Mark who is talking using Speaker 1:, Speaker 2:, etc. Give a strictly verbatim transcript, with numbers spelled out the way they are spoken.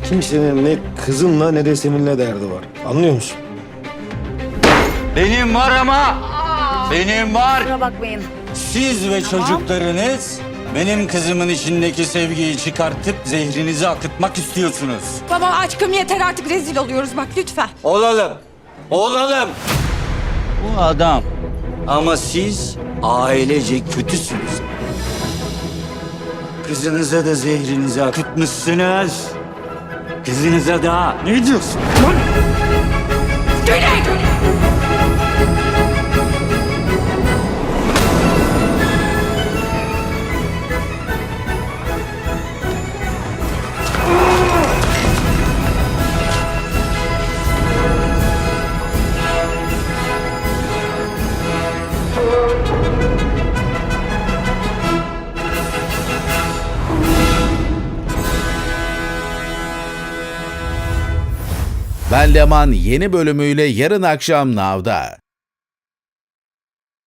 Speaker 1: Kimsenin ne kızınla ne de seninle derdi var. Anlıyor musun?
Speaker 2: Benim var ama. Benim var.
Speaker 3: Kusura bakmayın.
Speaker 2: Siz ve çocuklarınız benim kızımın içindeki sevgiyi çıkartıp zehrinizi akıtmak istiyorsunuz.
Speaker 3: Baba aşkım yeter artık rezil oluyoruz bak lütfen.
Speaker 2: Olalım. Olalım. Bu adam. Ama siz ailece kötüsünüz. Kızınıza da zehrinizi akıtmışsınız. Kızınıza da ne diyorsun?
Speaker 3: Güney!
Speaker 4: Ben Leman yeni bölümüyle yarın akşam Nav'da.